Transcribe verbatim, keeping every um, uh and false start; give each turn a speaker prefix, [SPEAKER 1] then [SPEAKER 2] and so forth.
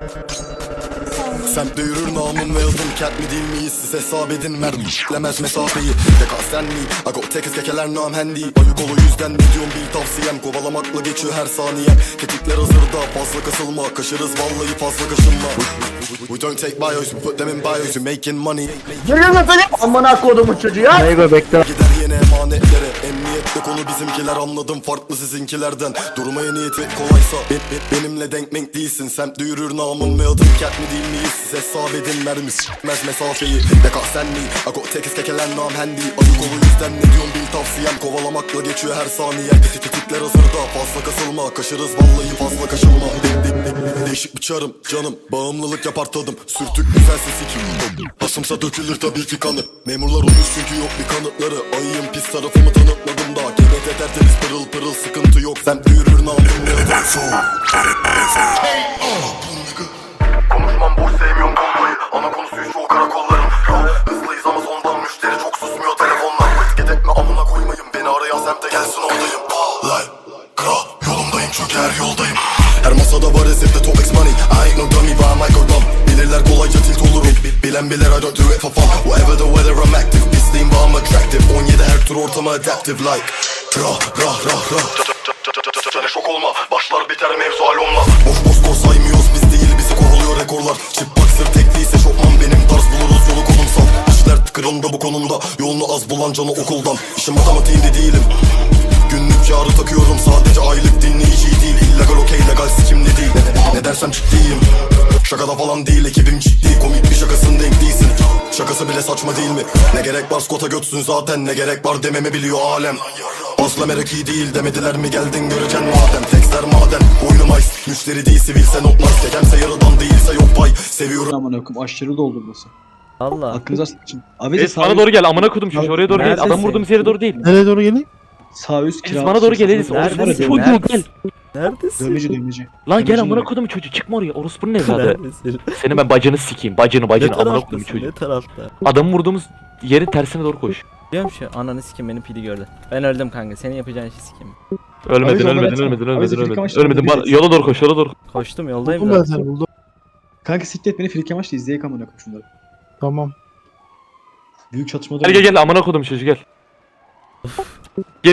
[SPEAKER 1] Semtte yürür namım ve adım kent mi değil miyiz? Siz hesap edin mermi işlemez mesafeyi. Deka sen mi? Ago tekiz kekeler nam handy. Ayık ol o yüzden ne diyorum bil tavsiyem. Kovalamakla geçiyor her saniye. Tetikler hazırda fazla kasılma. Kaşırız vallahi fazla kaşınma. We don't take bios, we put them in bios. We making money.
[SPEAKER 2] Geliyor efendim. Amına kodumun çocuğu ya.
[SPEAKER 3] Nego bekle.
[SPEAKER 1] Gider yine emanetlere. Emniyette konu bizimkiler, anladım farklı sizinkilerden. Durmaya niyeti kolaysa be, be, benimle denk menk değilsin. Semtte yürür namım ve adım kent mi değil miyiz? Siz hesap edin mermi s**mez mesafeyi. Deka sen mi? Ago tekiz kekeler nam handy. Ayık ol o yüzden ne diyorum bil tavsiyem. Kovalamakla geçiyor her saniye. Tetikler hazırda fazla kasılma. Kaşırız vallahi fazla kaşınma. De, de, de, değişik bir çarım canım. Bağımlılık yapar tadım. Sürtük güzel sesi kim? Basımsa dökülür tabii ki kanı. Memurlar olmuş çünkü yok bir kanıtları. Ayıyım pis tarafımı tanıtmadım daha. Gebet eder temiz pırıl pırıl sıkıntı yok. Semtte yürür namım ne adım. Konuşmam boş, sevmiyorum konvoyu. Ana konusu çoğu karakolların. Yo, hızlıyız ama sondan müşteri çok susmuyor telefonlar. Tıket etme amına koymayın. Beni arayan semte gelsin oradayım. Lay, kra, yolumdayım çünkü her yoldayım. Her masada var ezifte top X money. I ain't no dummy but I'm like a dumb. Bilirler kolayca tilt olurum. Bilen bilir I don't do it for fun. Whatever the weather I'm active. Pisliyim but I'm attractive. on yedi her tur ortama adaptive like. Ra ra ra ra. Canı şok olma. Başlar biter mevzu alonla. Boş boş kor saymıyoruz biz değil bizi kovuluyor rekorlar. Çıplak sır tekliyse şokman benim tarz buluruz yolu konumsal. İşler tıkırında bu konumda. Yolunu az bulan canı okuldan. İşim matematiğinde değilim. Günlük yarı takıyorum sadece aylık dinleyici değil. İllegal okey legal sikimli değil. Ne, ne dersem ciddiyim. Şakada falan değil ekibim ciddi. Komik bir şakasın denk değilsin. Şakası bile saçma değil mi? Ne gerek var skota götsün zaten. Ne gerek var dememi biliyor alem. Asla merak iyi değil demediler mi geldin göreceksin madem. Tekster maden boynum ice. Müşteri değil sivilse notlar. Kekemse yarıdan değilse yok pay. Seviyorum.
[SPEAKER 4] Aman okum aşırı doldu burası.
[SPEAKER 3] Allah.
[SPEAKER 4] Hakkınızı açın. Abi
[SPEAKER 5] Enes bana doğru gel amına kodum çocuğu oraya doğru gel.
[SPEAKER 3] Neredesin?
[SPEAKER 5] Adam vurduğumuz yere doğru değil.
[SPEAKER 6] Nereye doğru geleyim?
[SPEAKER 4] Sağ üst
[SPEAKER 5] Enes
[SPEAKER 4] kira.
[SPEAKER 5] bana doğru gel Enes.
[SPEAKER 3] Neredesin?
[SPEAKER 5] Orospu çocuğu
[SPEAKER 3] Neredesin?
[SPEAKER 5] gel.
[SPEAKER 3] Neredesin?
[SPEAKER 4] Dövmeci dövmeci.
[SPEAKER 5] Lan gel
[SPEAKER 4] Dövmeci
[SPEAKER 5] amına
[SPEAKER 4] mi?
[SPEAKER 5] kodum çocuğu çıkma oraya. Orospunun evladı.
[SPEAKER 3] Neredesin?
[SPEAKER 5] Seni ben bacını sikeyim. Bacını
[SPEAKER 3] Ne
[SPEAKER 5] bacını amına kodum
[SPEAKER 3] taraftasın?
[SPEAKER 5] çocuğu.
[SPEAKER 3] Ne tarafta?
[SPEAKER 5] Adamı vurduğumuz yerin tersine doğru koş.
[SPEAKER 3] Biliyorum şu ananı sikim beni pili gördü. Ben öldüm kanka. Senin yapacağın işi sikim.
[SPEAKER 5] Ölmedin
[SPEAKER 4] Abi,
[SPEAKER 5] ölmedin
[SPEAKER 4] abi,
[SPEAKER 5] ölmedin
[SPEAKER 4] abi,
[SPEAKER 5] ölmedin
[SPEAKER 4] filik
[SPEAKER 5] ölmedin.
[SPEAKER 4] amaçlı
[SPEAKER 5] Ölmedin bana
[SPEAKER 4] değil.
[SPEAKER 5] yola doğru koş yola doğru.
[SPEAKER 3] Koştum yoldayım
[SPEAKER 6] Buldum ben
[SPEAKER 3] da.
[SPEAKER 6] seni buldum.
[SPEAKER 4] Kanka siktir et beni flik amaçlı izleyek aman okum şunları.
[SPEAKER 6] Tamam.
[SPEAKER 4] Büyük çatışma
[SPEAKER 5] Gel gel gel amına kodum çocuğu gel.